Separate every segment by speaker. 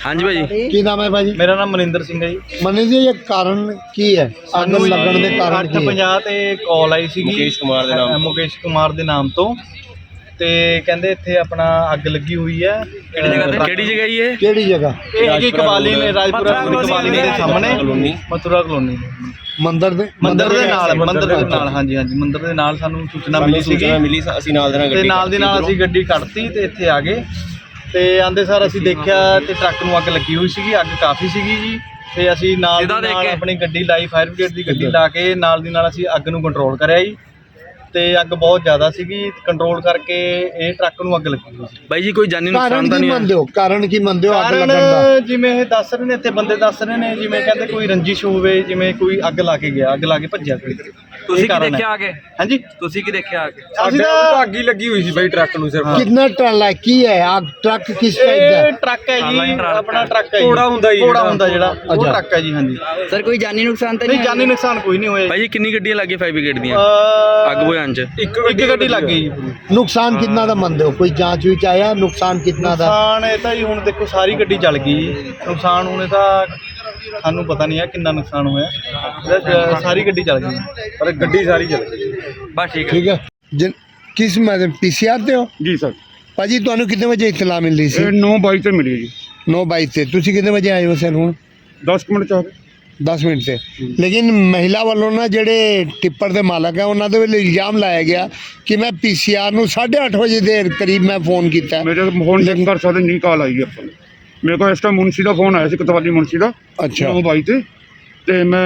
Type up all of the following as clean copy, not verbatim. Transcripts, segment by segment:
Speaker 1: हाँ जी भाजी
Speaker 2: की नाम है भाजी?
Speaker 3: मेरा नाम मनिंदर सिंह है जी।
Speaker 2: मनीष जी ये कारण की है ਅੱਗ ਲੱਗਣ ਦੇ ਕਾਰਨ ਕੀ ਹੈ?
Speaker 3: 8:50 ਤੇ ਕਾਲ ਆਈ ਸੀਗੀ ਮੁਕੇਸ਼ ਕੁਮਾਰ ਦੇ ਨਾਮ ਤੋਂ ਤੇ ਕਹਿੰਦੇ ਇੱਥੇ ਆਪਣਾ ਅੱਗ ਲੱਗੀ ਹੋਈ ਹੈ।
Speaker 1: केड़ी जगह ये
Speaker 2: ਕਿਹੜੀ ਜਗ੍ਹਾ?
Speaker 3: ਇਹ ਹੈਗੀ ਕਬਾਲੀ ਨੇ ਰਾਜਪੁਰਾ ਕਬਾਲੀ ਦੇ ਸਾਹਮਣੇ ਮਥੁਰਾ ਕਲੋਨੀ
Speaker 2: ਮੰਦਰ ਦੇ
Speaker 3: ਮੰਦਰ ਦੇ ਨਾਲ ਹਾਂਜੀ ਮੰਦਰ ਦੇ ਨਾਲ ਸਾਨੂੰ ਸੂਚਨਾ ਮਿਲੀ ਸੀਗੀ।
Speaker 1: ਅਸੀਂ ਨਾਲ
Speaker 3: ਤੇ ਨਾਲ ਦੀ ਨਾਲ ਅਸੀਂ ਗੱਡੀ ਕੱਢਤੀ ਤੇ ਇੱਥੇ ਆ ਗਏ ਤੇ ਆਂਦੇ ਸਾਰ ਅਸੀਂ ਦੇਖਿਆ ਤੇ ਟਰੱਕ ਨੂੰ ਅੱਗ ਲੱਗੀ ਹੋਈ ਸੀਗੀ। ਅੱਗ ਕਾਫੀ ਸੀਗੀ ਜੀ ਤੇ ਅਸੀਂ ਨਾਲ ਦੀ ਨਾਲ ਆਪਣੀ ਗੱਡੀ ਲਾਈ ਫਾਇਰ ਬ੍ਰਿਗੇਡ ਦੀ ਗੱਡੀ ਲਾ ਕੇ ਨਾਲ ਦੀ ਨਾਲ ਅਸੀਂ ਅੱਗ ਨੂੰ ਕੰਟਰੋਲ ਕਰਿਆ ਜੀ ਤੇ ਅੱਗ ਬਹੁਤ ਜ਼ਿਆਦਾ ਸੀਗੀ। ਕੰਟਰੋਲ ਕਰਕੇ ਇਹ ਟਰੱਕ ਨੂੰ ਅੱਗ ਲੱਗੀ ਹੋਈ ਸੀ।
Speaker 1: ਬਾਈ ਜੀ ਕੋਈ ਜਾਨੀ
Speaker 2: ਕਾਰਨ
Speaker 1: ਨੁਕਸਾਨ ਤਾਂ
Speaker 2: ਕੀ
Speaker 1: ਨਹੀਂ
Speaker 2: ਮੰਨਦੇ ਹੋ? ਕਾਰਨ ਕੀ ਮੰਨਦੇ ਹੋ ਅੱਗ ਲੱਗਣ ਦਾ?
Speaker 3: ਕਾਰਨ ਜਿਵੇਂ ਇਹ ਦੱਸ ਰਹੇ ਨੇ ਇੱਥੇ ਬੰਦੇ ਦੱਸ ਰਹੇ ਨੇ ਜਿਵੇਂ ਕਹਿੰਦੇ ਕੋਈ ਰੰਜਿਸ਼ ਹੋਵੇ ਜਿਵੇਂ ਕੋਈ ਅੱਗ ਲਾ ਕੇ ਗਿਆ ਅੱਗ ਲਾ ਕੇ ਭੱਜਿਆ ਕੋਈ।
Speaker 1: ਤੁਸੀਂ ਕੀ ਦੇਖਿਆ ਆ ਕੇ?
Speaker 3: ਹਾਂਜੀ
Speaker 1: ਤੁਸੀਂ ਕੀ ਦੇਖਿਆ ਆ ਕੇ?
Speaker 3: ਅਸੀਂ ਤਾਂ ਅੱਗ ਹੀ ਲੱਗੀ ਹੋਈ ਸੀ ਬਾਈ ਟਰੱਕ ਨੂੰ ਸਿਰਫ।
Speaker 2: ਕਿੰਨਾ ਟਰਾਲਾ ਹੈ? ਕੀ ਹੈ ਆਗ? ਟਰੱਕ ਕਿਸ ਟਾਈਪ ਦਾ ਹੈ?
Speaker 3: ਇਹ ਟਰੱਕ ਹੈ ਜੀ ਆਪਣਾ ਟਰੱਕ ਹੈ ਘੋੜਾ ਹੁੰਦਾ ਜਿਹੜਾ ਉਹ ਟਰੱਕ ਹੈ ਜੀ। ਹਾਂਜੀ
Speaker 4: ਸਰ ਕੋਈ ਜਾਨੀ ਨੁਕਸਾਨ ਤਾਂ
Speaker 3: ਨਹੀਂ ਜਾਨੀ ਨੁਕਸਾਨ ਕੋਈ ਨਹੀਂ ਹੋਇਆ।
Speaker 1: ਭਾਈ ਜੀ ਕਿੰਨੀ ਗੱਡੀਆਂ ਲੱਗੀਆਂ ਫਾਇਰ ਬ੍ਰਿਗੇਡ ਦੀਆਂ ਅੱਗ ਬੁਝਾਉਣ ਚ?
Speaker 3: ਇੱਕ ਗੱਡੀ ਲੱਗ ਗਈ ਜੀ।
Speaker 2: ਨੁਕਸਾਨ ਕਿੰਨਾ ਦਾ ਮੰਨਦੇ ਹੋ? ਕੋਈ ਜਾਂਚ ਵਿੱਚ ਆਇਆ ਨੁਕਸਾਨ ਕਿੰਨਾ ਦਾ?
Speaker 3: ਨੁਕਸਾਨ ਇਹ ਤਾਂ ਜੀ ਹੁਣ ਦੇਖੋ ਸਾਰੀ ਗੱਡੀ ਜਲ ਗਈ ਜੀ। ਨੁਕਸਾਨ ਹੁਣ ਇਹ ਤਾਂ ਸਾਨੂੰ ਪਤਾ ਨਹੀਂ ਹੈ ਕਿੰਨਾ ਨੁਕਸਾਨ ਹੋਇਆ। ਸਾਰੀ ਗੱਡੀ ਜਲ ਗਈ ਪਰ ਗੱਡੀ ਸਾਰੀ ਜਲ ਗਈ।
Speaker 1: ਬਸ ਠੀਕ ਹੈ।
Speaker 2: ਠੀਕ ਹੈ ਕਿਸ ਮੈਂ ਪੀਸੀਆਰ ਤੇ ਹੋ?
Speaker 5: ਜੀ ਸਰ।
Speaker 2: ਭਾਜੀ ਤੁਹਾਨੂੰ ਕਿੰਨੇ ਵਜੇ ਇਤਲਾ ਮਿਲੀ ਸੀ?
Speaker 5: ਇਹ 9:22 ਤੇ ਮਿਲੀ ਜੀ।
Speaker 2: 9:22 ਤੇ ਤੁਸੀਂ ਕਿੰਨੇ ਵਜੇ ਆਏ ਹੋ ਸਰ? ਹੁਣ
Speaker 5: 10 ਮਿੰਟ ਚ ਆ ਗਏ।
Speaker 2: 10 ਮਿੰਟ ਤੇ। ਲੇਕਿਨ ਮਹਿਲਾ ਵੱਲੋਂ ਨਾ ਜਿਹੜੇ ਟਿੱਪਰ ਦੇ ਮਾਲਕ ਹੈ ਉਹਨਾਂ ਦੇ ਵੱਲੋਂ ਇਲਜ਼ਾਮ ਲਾਇਆ ਗਿਆ ਕਿ ਮੈਂ ਪੀਸੀਆਰ ਨੂੰ 8:30 ਵਜੇ ਦੇ ਕਰੀਬ ਮੈਂ ਫੋਨ ਕੀਤਾ।
Speaker 5: ਮੇਰੇ ਫੋਨ ਚੈੱਕ ਕਰ ਸਕਦੇ ਨਹੀਂ ਕਾਲ ਆਈ ਆਪਾਂ ਨੂੰ। ਮੇਰੇ ਕੋਲ ਇਸ ਟਾਈਮ ਮੁਨਸੀ ਦਾ ਫੋਨ ਆਇਆ ਸੀ ਕਤਵਾਲੀ ਮੁਨਸੀ ਦਾ।
Speaker 2: ਅੱਛਾ
Speaker 5: 9:22 ਤੇ ਮੈਂ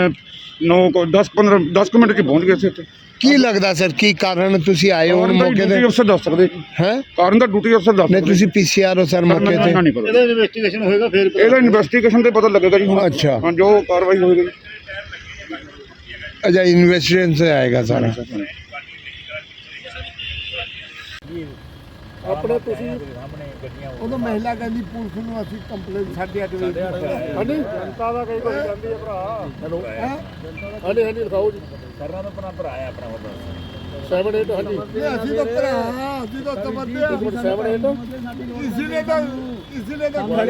Speaker 5: 10 ਮਿੰਟ ਕੇ ਪਹੁੰਚ ਗਿਆ ਸੀ ਇੱਥੇ।
Speaker 2: ਕੀ ਲੱਗਦਾ ਸਰ ਕੀ ਕਾਰਨ ਤੁਸੀਂ ਆਏ ਹੋ ਹੁਣ ਮੌਕੇ ਤੇ?
Speaker 5: ਡਿਊਟੀ ਅਫਸਰ ਦੱਸ ਸਕਦੇ
Speaker 2: ਹੈ
Speaker 5: ਕਾਰਨ ਦਾ ਡਿਊਟੀ ਅਫਸਰ ਦੱਸ
Speaker 2: ਨਹੀਂ
Speaker 5: ਸਕਦੇ।
Speaker 2: ਤੁਸੀਂ ਪੀਸੀਆਰ ਹੋ ਸਰ ਮੌਕੇ ਤੇ?
Speaker 5: ਨਹੀਂ ਪਤਾ। ਇਹਦਾ ਇਨਵੈਸਟੀਗੇਸ਼ਨ ਹੋਏਗਾ ਫਿਰ ਇਹਦਾ ਇਨਵੈਸਟੀਗੇਸ਼ਨ ਤੇ ਪਤਾ ਲੱਗੇਗਾ ਜੀ ਹੁਣ।
Speaker 2: ਅੱਛਾ
Speaker 5: ਹਾਂ ਜੋ ਕਾਰਵਾਈ ਹੋਏਗੀ।
Speaker 2: ਅੱਛਾ ਇਨਵੈਸਟੀਗੇਸ਼ਨ ਸੇ ਆਏਗਾ ਸਾਰਾ। ਆਪਣੇ ਤੁਸੀਂ ਉਦੋਂ ਮਹਿਲਾ ਕਹਿੰਦੀ ਪੁਲਿਸ ਨੂੰ ਅਸੀਂ ਕੰਪਲੇਂਟ 8:30 ਵਜੇ ਹਾਂਜੀ ਜਨਤਾ ਦਾ ਕਈ ਕੁਝ ਜਾਂਦੀ ਹੈ ਭਰਾ। ਹੈਲੋ ਹਾਂਜੀ ਲਿਖਾਓ ਜੀ। ਕਰਨਾ ਤਾਂ ਆਪਣਾ ਭਰਾ ਹੈ ਆਪਣਾ ਉਹ 7-8 ਹਾਂਜੀ ਅਸੀਂ ਤਾਂ ਭਰਾ ਅਸੀਂ ਤਾਂ ਸਮਝਦੇ ਆ 7-8 ਇਸੇ ਨੇ ਤਾਂ